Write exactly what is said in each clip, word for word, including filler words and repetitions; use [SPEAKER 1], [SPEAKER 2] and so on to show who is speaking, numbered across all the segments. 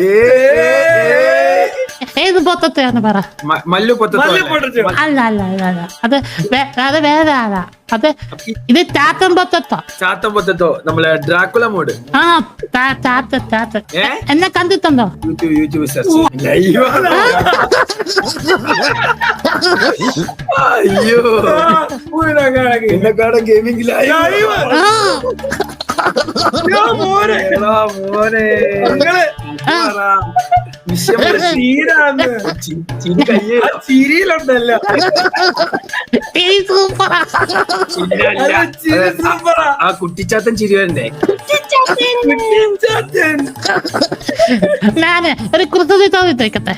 [SPEAKER 1] ഏത് പൊത്തത്തെയാന്ന് പറ.
[SPEAKER 2] മല്ലു പൊത്തോ?
[SPEAKER 1] അല്ല അല്ല അല്ല അല്ല അത് അത് വേറെ ആളാ. അത് ഇത് ചാത്തൻ പൊത്തത്തോ.
[SPEAKER 2] ചാത്തൻ പൊത്തത്തോ നമ്മളെ ഡ്രാക്കുള മോഡ്.
[SPEAKER 1] ആ ചാത്ത ചാത്ത എന്നെ കണ്ടിട്ടുണ്ടോ?
[SPEAKER 2] YouTube YouTube search. അയ്യോ എന്നെക്കാടെ ഗെയിമിംഗിലായി മോനെ.
[SPEAKER 3] ചിരിയിലുണ്ടല്ലോ
[SPEAKER 2] ആ കുട്ടിച്ചാത്തൻ ചിരി വരണ്ടേ?
[SPEAKER 1] ഞാന് ഒരു കുറിച്ച് ചോദിച്ചേക്കട്ടെ.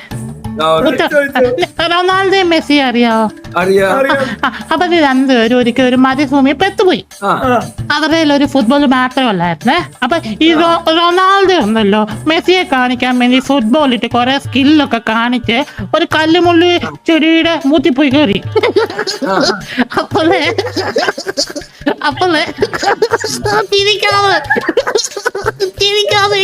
[SPEAKER 1] റൊണാൾഡോ മെസ്സി അറിയാവോ?
[SPEAKER 2] അറിയാം.
[SPEAKER 1] അവര് രണ്ടുപേരും ഒരിക്കലും ഒരു മരുഭൂമി പെട്ടുപോയി. അവരുടെ ഒരു ഫുട്ബോൾ മാത്രമല്ലായിരുന്നേ. അപ്പൊ ഈ റൊണാൾഡോ ഉണ്ടല്ലോ മെസ്സിയെ കാണിക്കാൻ വേണ്ടി ഫുട്ബോൾ ഇട്ട് കുറെ സ്കില്ലൊക്കെ കാണിച്ച് ഒരു കല്ലുമുള്ളി ചെടിയുടെ മൂത്തിപ്പോയി കയറി. അപ്പോളേ അപ്പോളേ തിരിക്കാവ് തിരിക്കാവ്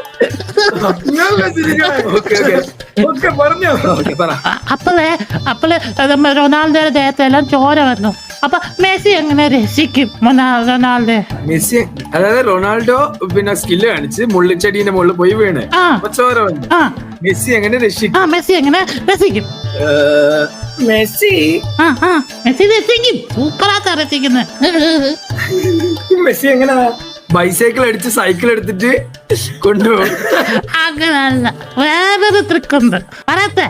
[SPEAKER 1] അപ്പോളേ അപ്പോള് റൊണാൾഡോയുടെ ദേഹത്തെല്ലാം ചോര വന്നു. അപ്പൊ മെസ്സി എങ്ങനെ രസിക്കും റൊണാൾഡോ?
[SPEAKER 2] മെസ്സി അതായത് റൊണാൾഡോ പിന്നെ സ്കില്ല് കാണിച്ച് മുള്ളിച്ചെടീന്റെ മുകളിൽ പോയി വീണ് ചോര വന്നു. മെസ്സി എങ്ങനെ രസിക്കും?
[SPEAKER 1] ആ മെസ്സി എങ്ങനെ രസിക്കും?
[SPEAKER 3] മെസ്സി
[SPEAKER 1] ആ ആ മെസ്സി രസിക്കും. സൂപ്പറാത്ത രസിക്കുന്നത്.
[SPEAKER 3] മെസ്സി എങ്ങനെ
[SPEAKER 2] ബൈസൈക്കിൾ അടിച്ച് സൈക്കിൾ എടുത്തിട്ട് കൊണ്ടുപോകും.
[SPEAKER 1] അങ്ങനല്ല, വേറൊരു ട്രിക്കുണ്ട് പറയട്ടെ.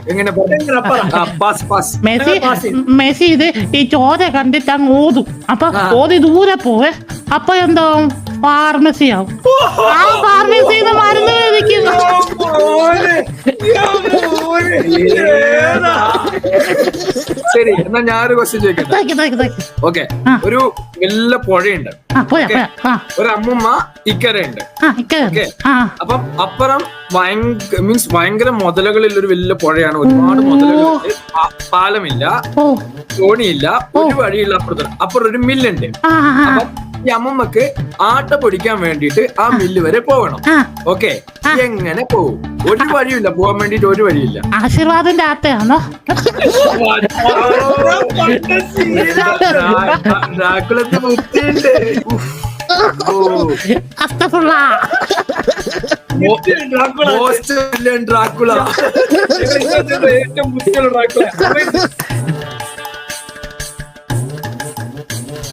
[SPEAKER 1] മെസ്സി മെസ്സി ഇത് ഈ ചോര കണ്ടിട്ട് അങ്ങ് ഓതും. അപ്പൊ ഓതി ദൂരെ പോവേ. അപ്പൊ എന്താവും? ഫാർമസി ആവും. ആ ഫാർമസിന്ന് മരുന്ന് കഴിക്കും.
[SPEAKER 2] ശരി, എന്നാ ഞാനൊരു ക്വസ്റ്റ്യൻ ചോദിക്കട്ടെ? ഓക്കെ, ഒരു വലിയ പുഴയുണ്ട്, ഒരു അമ്മുമ്മ ഇക്കരയുണ്ട്. അപ്പം അപ്പുറം ഭയങ്കര മീൻസ് ഭയങ്കര മുതലകളിൽ ഒരു വലിയ പുഴയാണ്. ഒരുപാട് മുതലകൾ, പാലമില്ല, തോണിയില്ല, ഒരു വഴിയില്ല. അപ്പുറത്ത് അപ്പുറം ഒരു മില്ലുണ്ട്. അപ്പം ഈ അമ്മമ്മക്ക് ആട്ട പൊടിക്കാൻ വേണ്ടിട്ട് ആ മില്ല് വരെ പോകണം. ഓക്കെ, എങ്ങനെ പോകും? ഒരു വഴിയില്ല, പോകാൻ വേണ്ടിട്ട് ഒരു വഴിയില്ല.
[SPEAKER 1] ആശീർവാദിന്റെ ആട്ടയാണോ?
[SPEAKER 2] ഡ്രാക്കുളത്ത് ബുദ്ധിയുണ്ട്.
[SPEAKER 3] ഡ്രാക്കുള ഏറ്റവും ബുദ്ധിയുള്ള ഡ്രാക്കുള.